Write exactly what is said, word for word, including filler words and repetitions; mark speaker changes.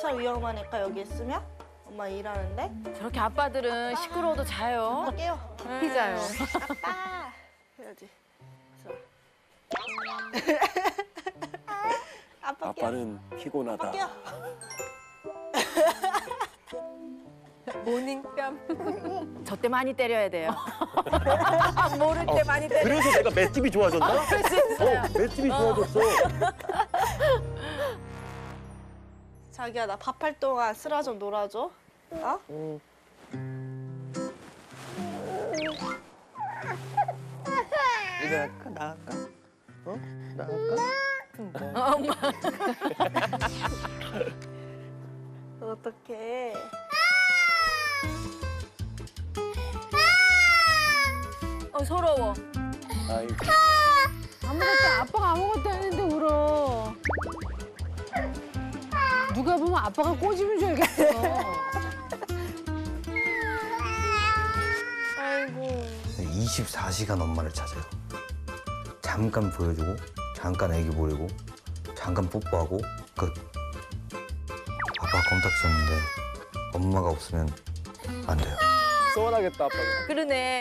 Speaker 1: 차 위험하니까 여기 있으면 엄마 일하는데
Speaker 2: 저렇게 아빠들은 시끄러워도 자요.
Speaker 1: 깨워.
Speaker 2: 피자요.
Speaker 1: 아빠 해야지. 그래서. 아빠 깨워.
Speaker 3: 아빠는 피곤하다.
Speaker 1: 깨워.
Speaker 2: 모닝뺨. 저 때 많이 때려야 돼요. 모를 때 많이 때려.
Speaker 3: 그래서 내가 맷집이 좋아졌나?
Speaker 2: 그럴 수 있어요.
Speaker 3: 어, 맷집이 좋아졌어.
Speaker 1: 자기야 나 밥할 동안 쓰라 좀 놀아줘. 어?
Speaker 3: 어. 이거 할까? 나 할까? 어? 나 할까?
Speaker 2: 엄마.
Speaker 1: 어떡해.
Speaker 2: 어, 서러워.
Speaker 3: 아이고.
Speaker 4: 아무것도 아빠가 아무것도 안 했는데 울어. 누가 보면 아빠가 꼬집은 줄 알겠어.
Speaker 1: 아이고.
Speaker 5: 이십사 시간 엄마를 찾아요. 잠깐 보여주고, 잠깐 애기 보내고, 잠깐 뽀뽀하고 끝. 아빠 껌딱지였는데 엄마가 없으면 안 돼요.
Speaker 3: 서운하겠다, 아빠가.
Speaker 2: 그러네.